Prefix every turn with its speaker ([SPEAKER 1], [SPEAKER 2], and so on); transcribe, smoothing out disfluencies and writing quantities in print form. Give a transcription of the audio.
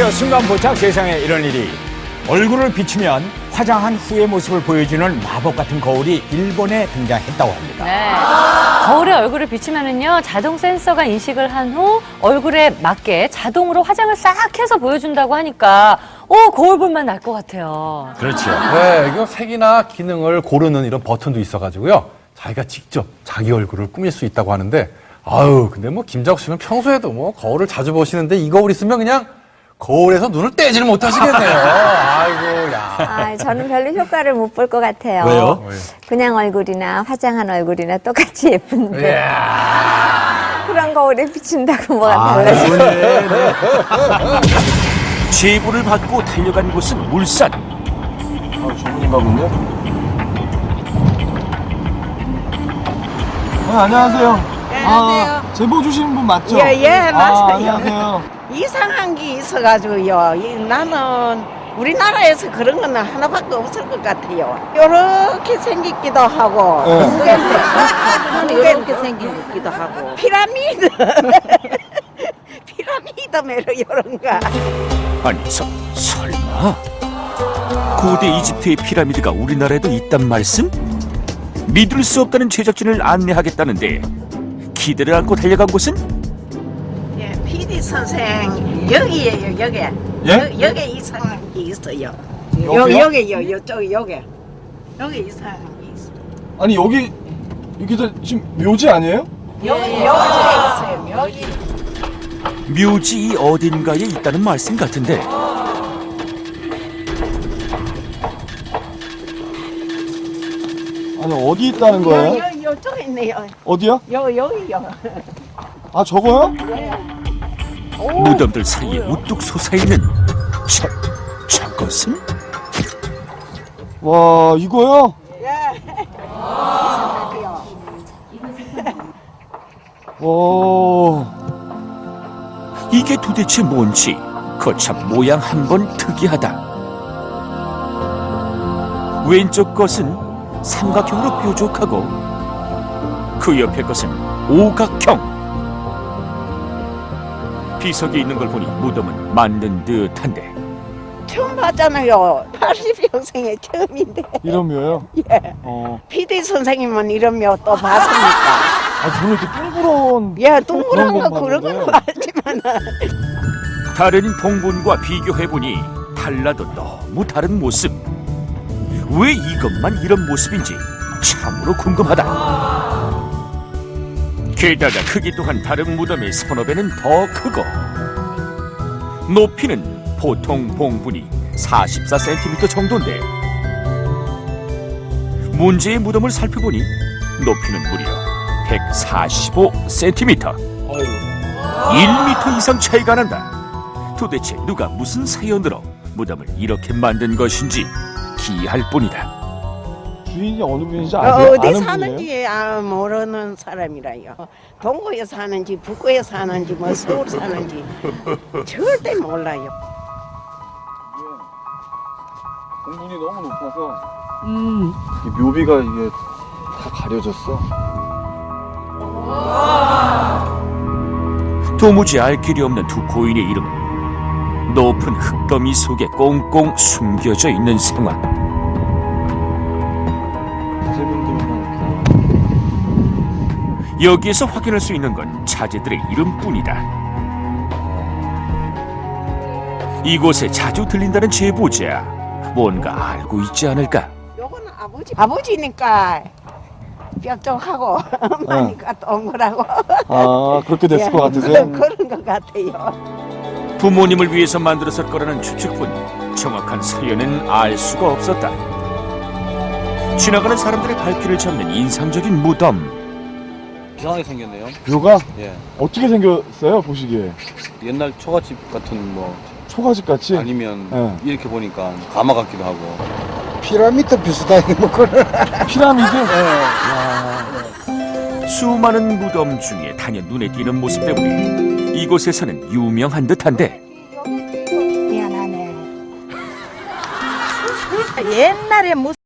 [SPEAKER 1] 그저 순간포착 세상에 이런 일이. 얼굴을 비추면 화장한 후의 모습을 보여주는 마법 같은 거울이 일본에 등장했다고 합니다.
[SPEAKER 2] 네. 거울에 얼굴을 비추면은요, 자동 센서가 인식을 한 후 얼굴에 맞게 자동으로 화장을 싹 해서 보여준다고 하니까, 거울 볼만 날 것 같아요.
[SPEAKER 1] 그렇죠.
[SPEAKER 3] 네, 이거 색이나 기능을 고르는 이런 버튼도 있어가지고요. 자기가 직접 자기 얼굴을 꾸밀 수 있다고 하는데, 근데 뭐 김작수 씨는 평소에도 뭐 거울을 자주 보시는데 이 거울 있으면 그냥 거울에서 눈을 떼지를 못하시겠네요. 아이고, 야.
[SPEAKER 4] 저는 별로 효과를 못 볼 것 같아요.
[SPEAKER 1] 왜요?
[SPEAKER 4] 그냥 얼굴이나 화장한 얼굴이나 똑같이 예쁜데 그런 거울에 비춘다고 뭐가 달라져.
[SPEAKER 5] 제보를 받고 달려간 곳은 울산.
[SPEAKER 6] 저분인가 본데? 안녕하세요.
[SPEAKER 7] 안녕하세요.
[SPEAKER 6] 제보 주시는 분 맞죠?
[SPEAKER 7] 예, 맞아요.
[SPEAKER 6] 안녕하세요.
[SPEAKER 7] 이상한 게 있어가지고요. 나는 우리나라에서 그런 거는 하나밖에 없을 것 같아요. 요렇게 생기기도 하고, 이렇게 생기기도 하고, 피라미드, 피라미드메로 요런가.
[SPEAKER 5] 아니, 설마? 고대 이집트의 피라미드가 우리나라에도 있단 말씀? 믿을 수 없다는 제작진을 안내하겠다는데 기대를 안고 달려간 곳은
[SPEAKER 7] 예, PD 선생 여기에요, 여기.
[SPEAKER 6] 예?
[SPEAKER 7] 여기 이상한 게 있어요.
[SPEAKER 6] 여기요?
[SPEAKER 7] 여기요, 요쪽 여기. 여기 이상한 게 있어요.
[SPEAKER 6] 아니 여기 다 지금 묘지 아니에요?
[SPEAKER 7] 여기 있어요, 여기.
[SPEAKER 5] 묘지 어딘가에 있다는 말씀 같은데
[SPEAKER 6] 아니 어디 있다는 거예요?
[SPEAKER 7] 요쪽에 있네요.
[SPEAKER 6] 어디요?
[SPEAKER 7] 여기요.
[SPEAKER 6] 아 저거요?
[SPEAKER 5] 무덤들 사이에 우뚝 솟아있는 저것은?
[SPEAKER 6] 와 이거요? 와
[SPEAKER 5] 이게 도대체 뭔지 거참 모양 한 번 특이하다. 왼쪽 것은 삼각형으로 뾰족하고 그 옆에 것은 오각형. 비석이 있는 걸 보니 무덤은 맞는 듯한데
[SPEAKER 7] 처음 봤잖아요. 80평생에 처음인데.
[SPEAKER 6] 이런 묘요?
[SPEAKER 7] 예. PD 선생님은 이런 묘 또 봤습니까?
[SPEAKER 6] 저는 이렇게 둥그런
[SPEAKER 7] 예, 동그란
[SPEAKER 6] 그런
[SPEAKER 7] 거
[SPEAKER 6] 건
[SPEAKER 7] 그런
[SPEAKER 6] 봤는데.
[SPEAKER 7] 건 알지만은.
[SPEAKER 5] 다른 봉분과 비교해보니 달라도 너무 다른 모습. 왜 이것만 이런 모습인지 참으로 궁금하다. 게다가 크기 또한 다른 무덤의 서너 배는 더 크고 높이는 보통 봉분이 44cm 정도인데 문제의 무덤을 살펴보니 높이는 무려 145cm. 1m 이상 차이가 난다. 도대체 누가 무슨 사연으로 무덤을 이렇게 만든 것인지 기이할 뿐이다.
[SPEAKER 6] 주인이 어느 분인지 아세요?
[SPEAKER 7] 어디
[SPEAKER 6] 아는
[SPEAKER 7] 사는지 모르는 사람이라요. 동구에 사는지 북구에 사는지 뭐 서울 사는지 절대 몰라요.
[SPEAKER 6] 공분이 너무 높아서 이 묘비가 이게 다 가려졌어.
[SPEAKER 5] 도무지 알 길이 없는 두 고인의 이름은 높은 흙더미 속에 꽁꽁 숨겨져 있는 상황.
[SPEAKER 6] 자제분들만
[SPEAKER 5] 여기에서 확인할 수 있는 건 자제들의 이름뿐이다. 이곳에 자주 들린다는 제보자, 뭔가 알고 있지 않을까?
[SPEAKER 7] 요거는 아버지니까 뾰족하고 엄마니까 동그라고.
[SPEAKER 6] 아 그렇게 됐을
[SPEAKER 7] 예,
[SPEAKER 6] 것 같으세요?
[SPEAKER 7] 그런 것 같아요.
[SPEAKER 5] 부모님을 위해서 만들었을 거라는 추측뿐 정확한 사연은 알 수가 없었다. 지나가는 사람들의 발길을 잡는 인상적인 무덤.
[SPEAKER 8] 이상하게 생겼네요.
[SPEAKER 6] 묘가
[SPEAKER 8] 예.
[SPEAKER 6] 어떻게 생겼어요 보시기에?
[SPEAKER 8] 옛날 초가집 같은 뭐
[SPEAKER 6] 초가집 같이?
[SPEAKER 8] 아니면
[SPEAKER 6] 예.
[SPEAKER 8] 이렇게 보니까 가마 같기도 하고.
[SPEAKER 9] 피라미드 비슷하게 뭐 그런.
[SPEAKER 6] 피라미드?
[SPEAKER 5] 수많은 무덤 중에 단연 눈에 띄는 모습 때문에 이곳에서는 유명한 듯한데
[SPEAKER 7] 미안하네. 옛날에 무슨